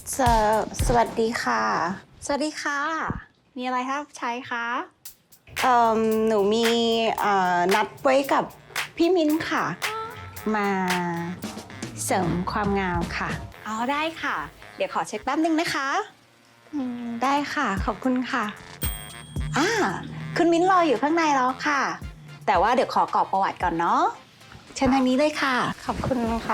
สสวัสดีค่ะ สวัสดีค่ะ มีอะไรครับใช้คะหนูมีนัดไว้กับพี่มิ้นค่ะ มาเสริมความงามค่ะอ๋อได้ค่ะ เดี๋ยวขอเช็คแป๊บนึงนะคะได้ค่ะ ขอบคุณค่ะอ่าคุณมิ้นรออยู่ข้างในแล้วค่ะ แต่ว่าเดี๋ยวขอกรอกประวัติก่อนเนาะเชิญทางนี้เลยค่ะ ขอบคุณค่ะ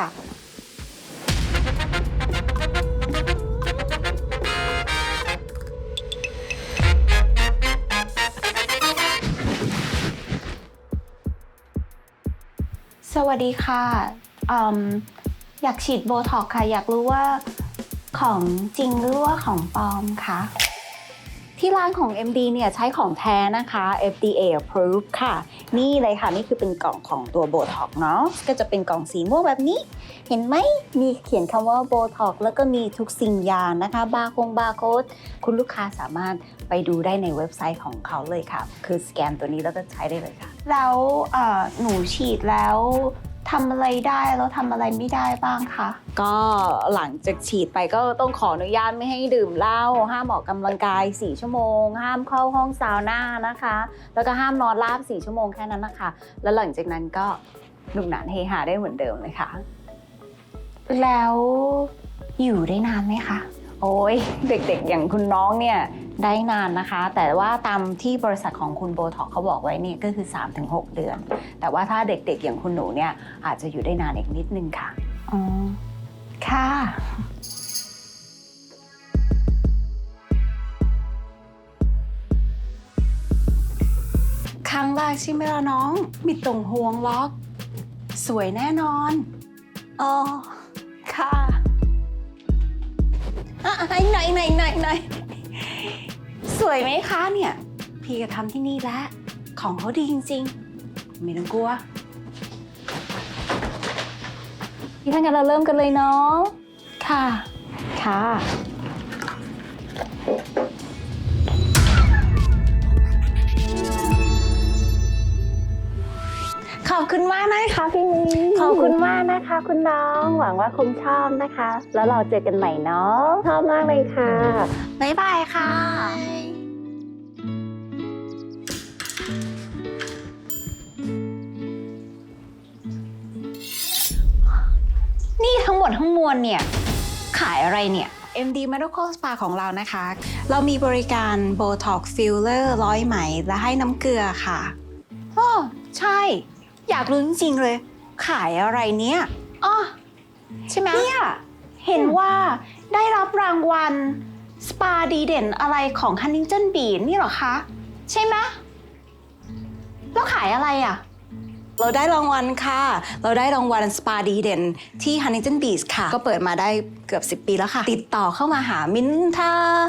สวัสดีค่ะอืมอยากฉีดโบท็อกซ์ค่ะ อยากรู้ว่าของจริงหรือว่าของปลอมคะ ที่ร้านของ MD เนี่ยใช้ของแท้นะคะ FDA approved ค่ะ นี่เลยค่ะ นี่คือเป็นกล่องของตัวโบท็อกซ์เนาะ ก็จะเป็นกล่องสีม่วงแบบนี้ เห็นไหม มีเขียนคำว่าโบท็อกซ์แล้วก็มีทุกสิ่งอย่างนะคะ บาร์โค้ด คุณลูกค้าสามารถไปดูได้ในเว็บไซต์ของเขาเลยค่ะ คือสแกนตัวนี้แล้วก็ใช้ได้เลยค่ะ แล้วหนูฉีดแล้วทำอะไรได้แล้วทำอะไรไม่ได้บ้างคะ ก็หลังจากฉีดไปก็ต้องขออนุญาตไม่ให้ดื่มเหล้าห้ามออกกำลังกาย4ชั่วโมงห้ามเข้าห้องซาวน่านะคะแล้วก็ห้ามนอนราบ4ชั่วโมงแค่นั้นนะคะแล้วหลังจากนั้นก็หนุกหนานเฮฮาได้เหมือนเดิมเลยค่ะแล้วอยู่ได้นานไหมคะโอ้ยเด็กๆอย่างคุณน้องเนี่ยได้นานนะคะแต่ว่าตามที่บริษัทของคุณโบท็อกเขาบอกไว้เนี่ยก็คือ 3-6 เดือนแต่ว่าถ้าเด็กๆอย่างคุณหนูเนี่ยอาจจะอยู่ได้นานอีกนิดนึงค่ะอ๋อค่ะ ครั้งแรกใช่ไหมล่ะน้องมีตรงห่วงล็อกสวยแน่นอนอ๋อค่ะไหนสวยไหมคะเนี่ยพี่ก็ทำที่นี่แล้วของเขาดีจริงๆไม่ต้องกลัวพี่ถ้างั้นเราเริ่มกันเลยเนาะค่ะขอบคุณมากนะคะพี่มิ้นขอบคุณมากนะคะคุณน้องหวังว่าคงชอบนะคะ แล้วเราเจอกันใหม่เนาะชอบมากเลยค่ะบ๊ายบายค่ะนี่ทั้งหมดทั้งมวลเนี่ยขายอะไรเนี่ย MD Medical Spa ของเรานะคะเรามีบริการ Botox Filler ร้อยไหมและให้น้ำเกลือค่ะอ๋อใช่อยากรู้จริงๆเลยขายอะไรเนี่ยอ๋อใช่ไหมเนี่ยเห็นว่าได้รับรางวัลสปาดีเด่นอะไรของ Huntington Beach นี่เหรอคะใช่ไหมแล้วขายอะไรอ่ะเราได้รางวัลค่ะเราได้รางวัลสปาดีเด่นที่ Huntington Beach ค่ะก็เปิดมาได้เกือบ10 ปีแล้วค่ะติดต่อเข้ามาหามิ้นท่า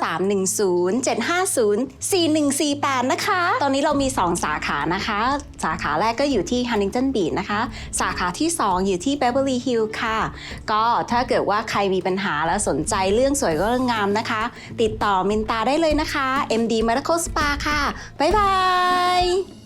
310-750-4148นะคะตอนนี้เรามี2สาขานะคะสาขาแรกก็อยู่ที่ Huntington Beach นะคะสาขาที่2อยู่ที่ Beverly Hills ค่ะก็ถ้าเกิดว่าใครมีปัญหาและสนใจเรื่องสวยก็เรื่องงามนะคะติดต่อมินตาได้เลยนะคะ MD Medical Spa ค่ะบ๊ายบาย